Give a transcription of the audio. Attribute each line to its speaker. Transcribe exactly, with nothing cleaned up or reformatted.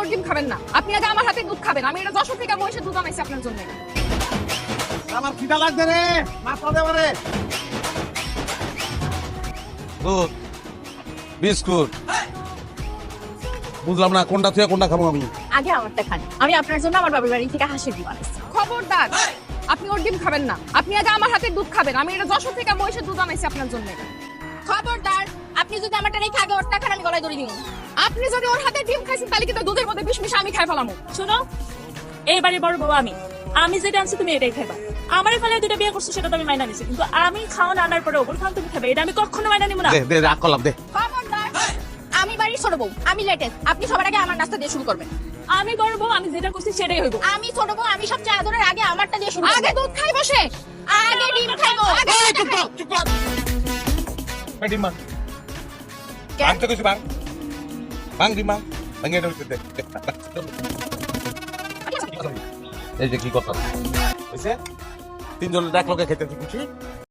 Speaker 1: ওর ডিম খাবেন না। আপনি আগে আমার হাতে দুধ খাবেন। আমি এটা যশোর থেকে মহিষের দুধ আনাইছি আপনার জন্য।
Speaker 2: আমার খিদা লাগছে রে, মাথা দেবে রে।
Speaker 3: দুধ বিস্কুট বুঝলাম না কোনটা থেকে কোনটা খাবো আমি।
Speaker 4: আগে আমারটা খান। আমি আপনার জন্য আমার বাবার বাড়ি থেকে হাঁসের ডিম আনাইছি।
Speaker 1: খবরদার, আপনি ওর ডিম খাবেন না। আপনি আগে আমার হাতে দুধ খাবেন। আমি এটা যশোর থেকে মহিষের দুধ আনাইছি আপনার জন্য।
Speaker 4: খবরদার, আপনি যদি আমারটা রেখে আগে ওরটা খান, আমি গলায় দড়ি দিব।
Speaker 1: আপনি যদি ওর হাতে ডিম খাইছেন তাহলে কিন্তু দুধের মধ্যে বিষ মিশে আমি খাই ফেলামু।
Speaker 5: শোনো, এইবারে বড় বউ আমি আমি যেটা আনছি তুমি এটাই খাইবা। আমার ফলে দুটো বিয়ে করছো সেটা তো আমি মাইনা নিছি, কিন্তু আমি খাওয়া আনার পরে ওপর খাওয়া তুমি খাবে, এটা আমি কখনো মাইনা নিব না।
Speaker 3: দে দে রাগ করলাম দে।
Speaker 4: খবরদার, আমি বাড়ির ছোট বউ, আমি লেটেস্ট। আপনি সবার আগে আমার নাস্তা দিয়ে শুরু করবেন।
Speaker 5: আমি বড় বউ, আমি যেটা করছি সেটাই হইব।
Speaker 4: আমি ছোট বউ, আমি সবচেয়ে আদরের, আগে আমারটা দিয়ে শুরু
Speaker 1: আগে
Speaker 4: করবেন।
Speaker 1: দুধ খাই বসে।
Speaker 4: আগে ডিম খাইবো।
Speaker 3: এই চুপ কর, চুপ কর। এই ডিম ভাঙ।
Speaker 4: কে?
Speaker 3: ভাঙ তো কিছু ভাঙ। ভাঙ ডিম ভাঙ। ভাঙে এটা দে। এই যে কি কথা হইছে, তিনজনের এক লগে খেতে খুশি।